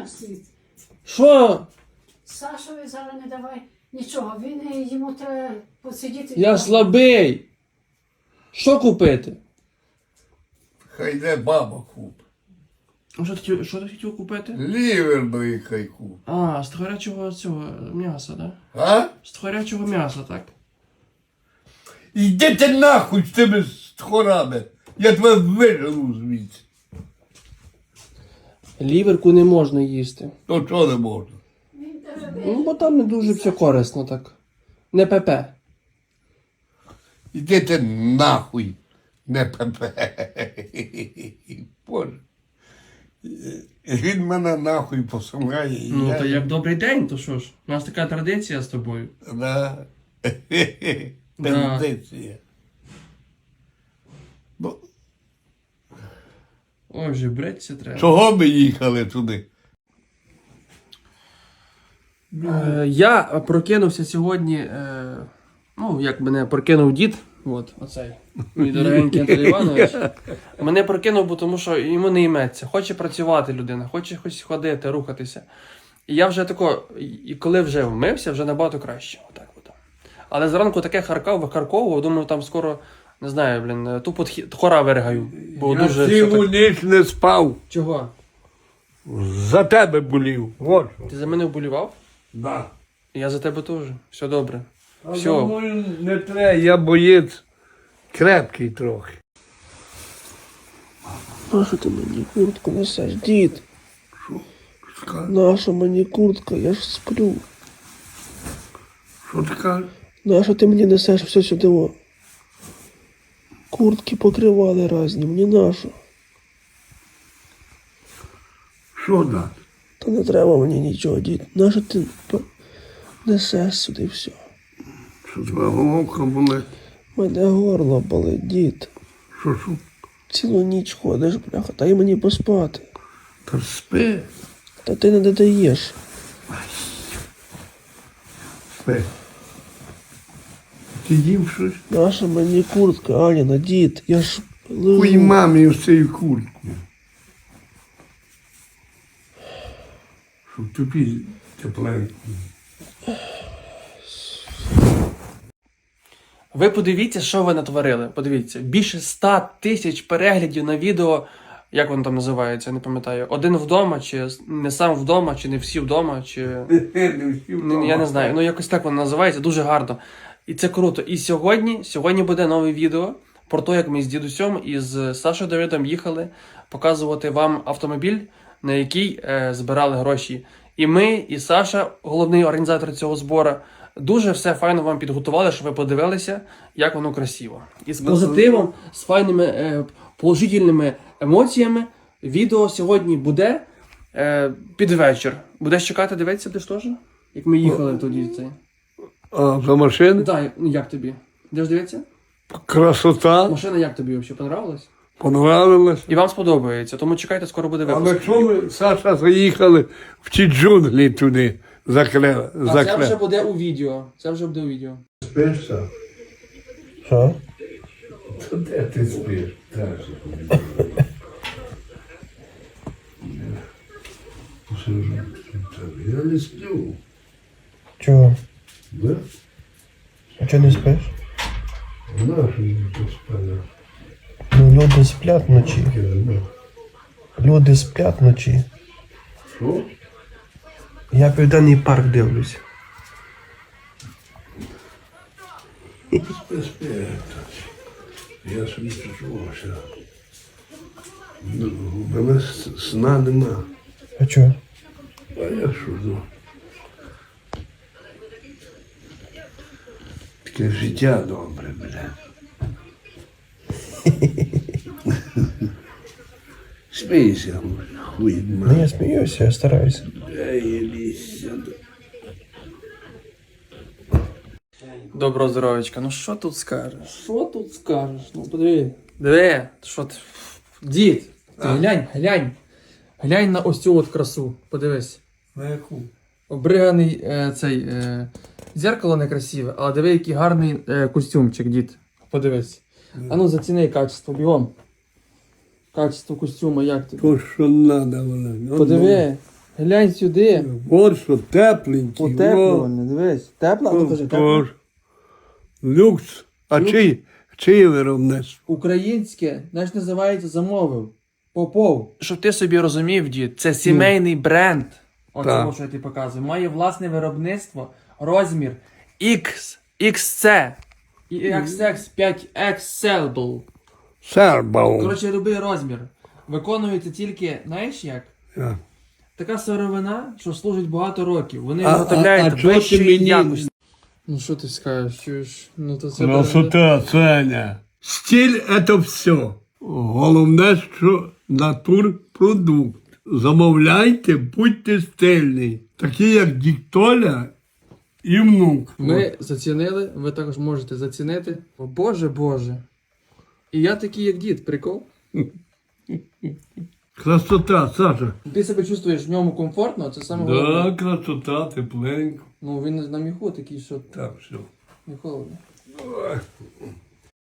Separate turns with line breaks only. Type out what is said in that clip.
стоїть.
Що?
Сашові зараз не давай нічого, йому треба посидіти.
Я слабий. Що купити?
Хай йде баба купить.
Що ти хотів купити?
Лівер би хай купить.
А, з тхорячого цього м'яса, так? Да?
А?
З тхорячого м'яса, так?
Йди ти нахуй з тими тхорами. Я тебе вижену звідси.
Ліверку не можна їсти.
То чого не можна?
Він тебе
Ну, бо там не дуже все корисно так. Не пепе.
Іди ти нахуй, не пепе. Боже. Він мене нахуй посилає.
Ну, то як добрий день, то що ж? У нас така традиція з тобою.
Да. Тенденція. Ну,
Ой, вже бриться треба.
чого ми їхали туди?
Я прокинувся сьогодні, ну, як мене прокинув дід, от, оцей, мій дорогенький Анатолій Іванович. Мене прокинув, бо тому що йому не йметься. Хоче працювати людина, хоче хоч ходити, рухатися. І я вже тако, і коли вже вмився, вже набагато краще. Отак от. Але зранку таке викарковував, думаю, там скоро, не знаю, блін, тупо хора виригаю. Бо
Я
дуже
цілу
так...
ніч не спав.
Чого?
За тебе болів. Вот що.
Ти за мене вболівав?
Да.
Я за тебе теж. Все добре.
А
Все.
за мною не треба, я боєць крепкий трохи.
Нащо ти мені куртку несеш, дід?
Що
Наша мені куртка, я ж сплю.
ти кажеш?
Нащо ти мені несеш все сюди? О? Куртки покривали разні, мені нащо?
Що дати?
Та не треба мені нічого, дід. Нащо ти несеш сюди все?
Що твоя головка болить?
Мене горло болить, дід.
Що?
Цілу ніч ходиш, бляха, дай мені поспати.
Та спи.
Та ти не додаєш.
Спи. Ти їв щось?
Наша мені куртка, Аніна, дід, я ж лежу.
Хуй мамі з цією курткою. Щоб тобі тепленько.
Ви подивіться, що ви натворили. Подивіться, більше 100 тисяч переглядів на відео, як воно там називається, я не пам'ятаю. Один вдома, чи не сам вдома, чи не всі вдома, чи... Я не знаю, ну якось так воно називається, дуже гарно. І це круто. І сьогодні буде нове відео про те, як ми з дідусем і з Сашою Давидом їхали показувати вам автомобіль, на який збирали гроші. І ми, і Саша, головний організатор цього збору, дуже все файно вам підготували, щоб ви подивилися, як воно красиво. І з позитивом, з файними положительними емоціями відео сьогодні буде під вечір. Будеш чекати, дивитися, ти ж теж? Як ми їхали тоді цей.
А за машини?
Так, як тобі? Будеш дивитися?
Красота.
Машина як тобі взагалі понравилась?
Понравилось.
І вам сподобається, тому чекайте, скоро буде випуск.
Але що ми, Саша, заїхали в ті джунглі туди, закрили.
А це вже буде у відео. Це вже буде у відео.
Спиш, Саш?
Що?
Та де ти спиш? Я не сплю.
Чого?
Да?
А чого не спиш?
Нашу не поспала.
Ну, люди сплять вночі. Люди сплять вночі.
Що?
Я Південний парк дивлюсь.
Спи. Я собі чувався. У мене сна нема.
А чого?
А я що, ну? Таке життя добре, бля. Смійся, хуй
Ну, я сміюся, я стараюся.
Доброго здоров'ячка. Ну що тут скажеш? Що тут скажеш? Ну подиви. Диви, що ти. Дід, ти глянь. Глянь на ось цю от красу. Подивись.
На яку?
Обриганий цей зеркало некрасиве, але диви, який гарний костюмчик, дід. Подивись. А ну заціни качество, бігом. Качество костюма, як тобі?
То, що надо, вона.
Подиви. Глянь сюди.
Вот що тепленький.
Утеплювальне, дивись. Тепла? Ну кажи, тепла.
Тож. Люкс. А чиє виробництво?
Українське, знаєш, називається замовив. Попов. Щоб ти собі розумів, дід, це сімейний бренд. Оце,
Так.
що я тобі показую. Має власне виробництво, розмір X, XC, і XX 5XL.
Сербал.
Коротше, любий розмір. Виконується тільки, знаєш як? Така сировина, що служить багато років. Вони
А
виготовляють
чого ти
вищої
мені-
якості. Ну що ти скажеш? Чуєш? Ну то це
Красота, Саня. Стиль – це все. Головне, що натурпродукт. Замовляйте, будьте стильні. Такі, як Діктоля і внук.
Ми зацінили, ви також можете зацінити. О, Боже, Боже. І я такий, як дід, прикол.
Красота, Саша.
Ти себе чувствуєш в ньому комфортно, це саме головне.
Да, красота, тепленько.
Ну він на міху такий, що
Так, все.
не холодно.